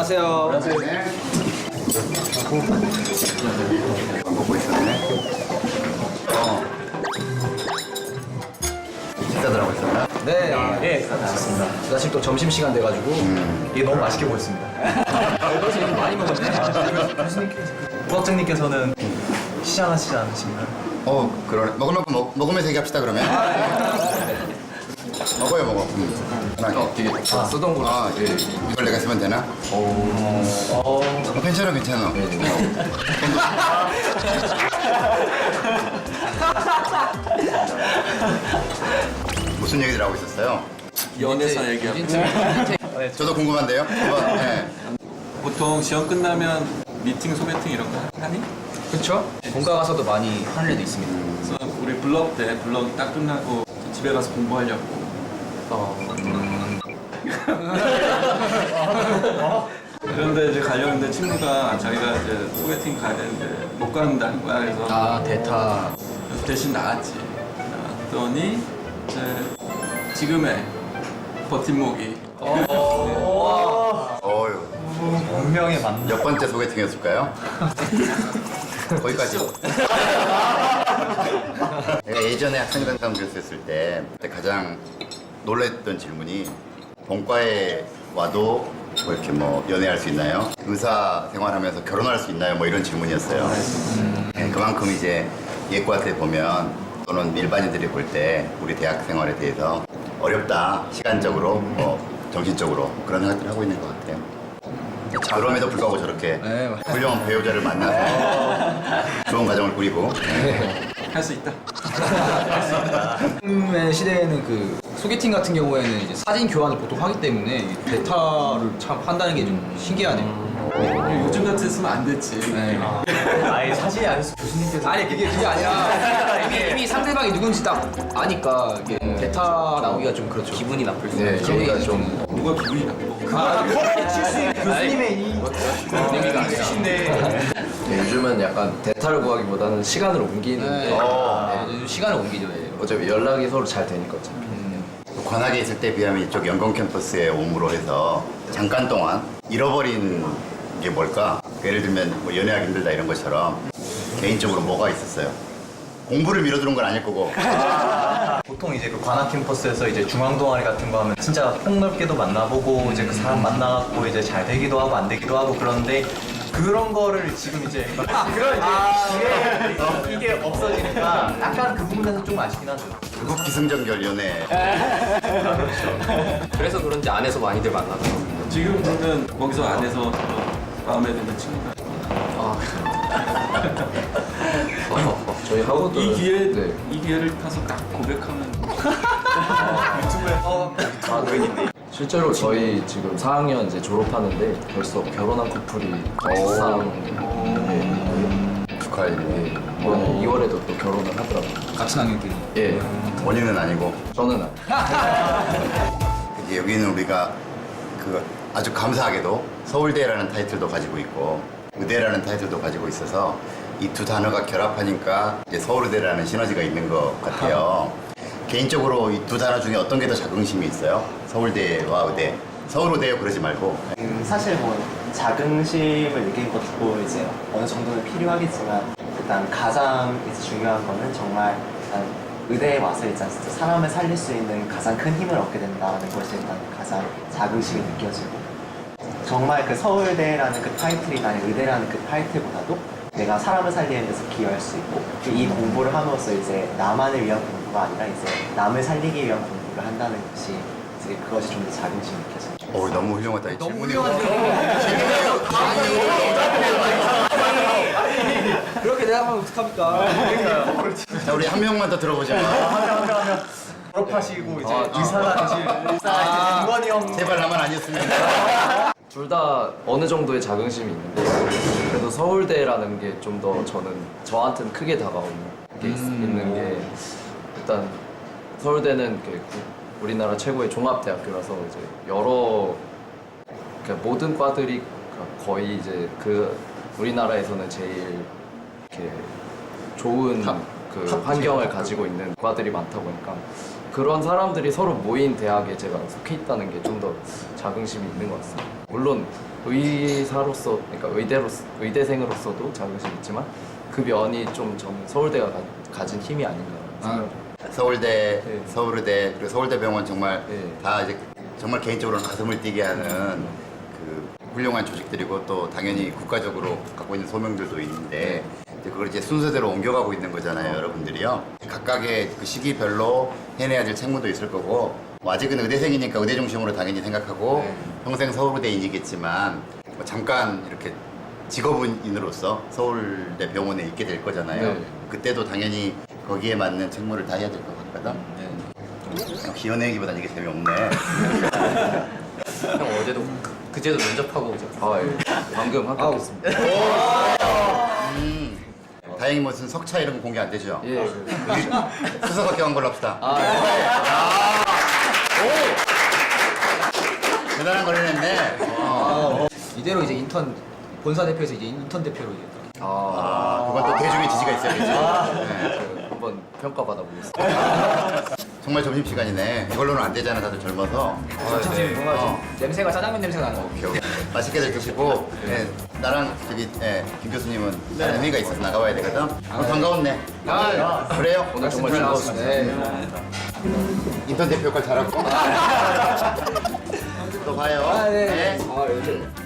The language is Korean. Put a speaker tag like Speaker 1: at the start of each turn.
Speaker 1: 안녕하세요.
Speaker 2: 안녕하세요. 광고 보이셨네. 식사들 하고 있었나?
Speaker 1: 네,
Speaker 3: 예, 맞습니다.
Speaker 1: 사실 또 점심 시간 돼가지고
Speaker 3: 이게 너무 맛있게 보였습니다.
Speaker 1: 벌써 이렇게 많이 먹었네.
Speaker 3: 부학장님께서는 시장하시지 않으신가요?
Speaker 2: 그러네. 먹을 만큼 먹으면서 얘기합시다 그러면. 먹어요 먹어.
Speaker 1: 되게 쓰던 거.
Speaker 2: 예. 이걸 내가 쓰면 되나? 괜찮아 괜찮아. 무슨 얘기들 하고 있었어요?
Speaker 4: 연애사 얘기하고
Speaker 2: 저도 궁금한데요. 네.
Speaker 4: 보통 시험 끝나면 미팅, 소개팅 이런 거 하니?
Speaker 1: 그쵸? 본가 가서도 많이 하는 애도 있습니다.
Speaker 4: 그래서 우리 블럭 때 블럭 딱 끝나고 집에 가서 공부하려고 그런데 이제 가려는데 친구가 자기가 이제 소개팅 가야 되는데 못 간다는 거야. 그래서
Speaker 1: 대타.
Speaker 4: 대신 나왔지. 나왔더니 이제 지금의 버팀목이
Speaker 2: 어휴.
Speaker 3: 운명의 만남.
Speaker 2: 몇 번째 소개팅이었을까요? 거기까지. 내가 예전에 학생회장 교수였을 때 그때 가장 놀랬던 질문이 본과에 와도 뭐 이렇게 뭐 연애할 수 있나요? 의사 생활하면서 결혼할 수 있나요? 뭐 이런 질문이었어요. 네, 그만큼 이제 예과 때 보면 또는 일반인들이 볼 때 우리 대학 생활에 대해서 어렵다. 시간적으로 뭐 정신적으로 그런 생각들을 하고 있는 것 같아요. 그럼에도 불구하고 저렇게
Speaker 1: 네.
Speaker 2: 훌륭한 배우자를 만나서 좋은 가정을 꾸리고
Speaker 4: 할 수 있다.
Speaker 1: 요즘의 시대에는 그 소개팅 같은 경우에는 이제 사진 교환을 보통 하기 때문에 이 대타를 참 한다는 게 좀 신기하네요.
Speaker 4: 요즘 같았으면 안 됐지.
Speaker 1: 네.
Speaker 3: 아예 사실이 아니어서 교수님께서
Speaker 1: 아니 그게 아니라 이미 상대방이 누군지 딱 아니까 이게 대타 나오기가 좀 그렇죠. 기분이 나쁠 수 있어요. 그러니까 좀
Speaker 4: 누가 기분이 나빠.
Speaker 3: 교수님의 이
Speaker 1: 의미가 아니라.
Speaker 5: 네, 요즘은 약간 대타를 구하기보다는 시간을 옮기는데
Speaker 1: 요즘 시간을 옮기죠. 예.
Speaker 5: 어차피 연락이 서로 잘 되니까 어차피.
Speaker 2: 관악에 있을 때 비하면 이쪽 연공 캠퍼스에 옴으로 해서 잠깐 동안 잃어버린 게 뭘까? 예를 들면 뭐 연애하기 힘들다 이런 것처럼 개인적으로 뭐가 있었어요? 공부를 미뤄두는 건 아닐 거고
Speaker 3: 보통 이제 그 관악 캠퍼스에서 이제 중앙 동아리 같은 거 하면 진짜 폭넓게도 만나보고 이제 그 사람 만나갖고 이제 잘 되기도 하고 안 되기도 하고 그런데 그런 거를 지금 이제 이게 없어지니까 약간 그 부분에서 좀 아쉽긴 하죠.
Speaker 2: 그거 기승전결 연애
Speaker 5: 그래서 그런지 안에서 많이들 만나더라고요.
Speaker 4: 지금 그러면 거기서 안에서 마음에 드는 친구가
Speaker 5: 저희 학우들
Speaker 4: 이 기회
Speaker 5: 네.
Speaker 4: 이 기회를 타서 딱 고백하면
Speaker 5: 실제로 저희 지금 4학년 이제 졸업하는데 벌써 결혼한 커플이 막상
Speaker 2: 축하해.
Speaker 5: 이번에 2월에도 또 결혼을 하더라고요.
Speaker 1: 같은 학년끼리.
Speaker 5: 예,
Speaker 2: 본인은 아니고
Speaker 5: 저는
Speaker 2: 이제 여기는 우리가 그 아주 감사하게도 서울대라는 타이틀도 가지고 있고 의대라는 타이틀도 가지고 있어서 이 두 단어가 결합하니까 이제 서울대라는 시너지가 있는 것 같아요. 개인적으로 이 두 단어 중에 어떤 게 더 자긍심이 있어요? 서울대와 의대. 서울의대요 그러지 말고.
Speaker 6: 사실 뭐 자긍심을 느낀 것도 이제 어느 정도는 필요하겠지만 일단 가장 이제 중요한 거는 정말 일단 의대에 와서 일단 진짜 사람을 살릴 수 있는 가장 큰 힘을 얻게 된다는 것이 일단 가장 자긍심이 느껴지고 정말 그 서울대라는 그 타이틀이나 의대라는 그 타이틀보다도 내가 사람을 살리는 데서 기여할 수 있고 이 공부를 함으로써 이제 나만을 위한 공부가 아니라 이제 남을 살리기 위한 공부를 한다는 것이 이제 그것이 좀 더 자긍심이 느껴져요.
Speaker 2: 너무 훌륭하다. 이 질문이.
Speaker 1: 그렇게 대답하면 어떡합니까?
Speaker 2: 자, 우리 한 명만 더 들어보자.
Speaker 3: 하면 졸업하시고 이제 의사가 되실 김건희 형
Speaker 2: 제발 나만 아니었으면.
Speaker 5: 둘 다 어느 정도의 자긍심이 있는데 그래도 서울대라는 게 좀 더 저는 저한테는 크게 다가오는 게 있는 게 일단 서울대는 이렇게 우리나라 최고의 종합대학교라서 이제 여러 그러니까 모든 과들이 거의 이제 그 우리나라에서는 제일 이렇게 좋은 그 환경을 가지고 있는 과들이 많다 보니까 그런 사람들이 서로 모인 대학에 제가 속해 있다는 게 좀 더 자긍심이 있는 것 같습니다. 물론 의사로서, 그러니까 의대생으로서도 자긍심이 있지만 그 면이 좀 저는 서울대가 가진 힘이 아닌가 생각합니다.
Speaker 2: 서울대,
Speaker 5: 네.
Speaker 2: 서울의대, 그리고 서울대병원 정말
Speaker 5: 네.
Speaker 2: 다 이제 정말 개인적으로는 가슴을 뛰게 하는 그 훌륭한 조직들이고 또 당연히 국가적으로 갖고 있는 소명들도 있는데 이제 그걸 이제 순서대로 옮겨가고 있는 거잖아요, 여러분들이요. 각각의 그 시기별로 해내야 될 책무도 있을 거고 뭐 아직은 의대생이니까 의대 중심으로 당연히 생각하고 평생 서울대인이겠지만 뭐 잠깐 이렇게 직업인으로서 서울대 병원에 있게 될 거잖아요.
Speaker 5: 네.
Speaker 2: 그때도 당연히 거기에 맞는 책무를 다 해야 될 것 같거든. 역시 연예기보단 이게 재미없네.
Speaker 1: 형 어제도 그제도 면접하고 이제
Speaker 5: 아, 예. 방금 합격했습니다.
Speaker 2: 다행히 무슨 석차 이런 거 공개 안 되죠?
Speaker 5: 예.
Speaker 2: 수석 합격한 걸로 합시다. 대단한 걸 해냈네.
Speaker 1: 이대로 이제 인턴 본사 대표에서 이제 인턴 대표로 이제
Speaker 2: 그건 또 대중의 지지가 있어야겠죠. 네.
Speaker 5: 한번 평가받아 보겠습니다.
Speaker 2: 정말 점심시간이네. 이걸로는 안 되잖아, 다들 젊어서.
Speaker 1: 냄새가 짜장면 냄새가 나는 거.
Speaker 2: 오케이, 오케이. 맛있게들 드시고, 네, 나랑 저기, 김 교수님은 다른 회의가 있어서 나가봐야 되거든. 오늘 반가웠네. 그래요?
Speaker 5: 오늘 정말 즐거웠습니다.
Speaker 2: 인턴 대표 역할 잘하고. 또 봐요.
Speaker 1: 네.
Speaker 2: 네.
Speaker 1: 요즘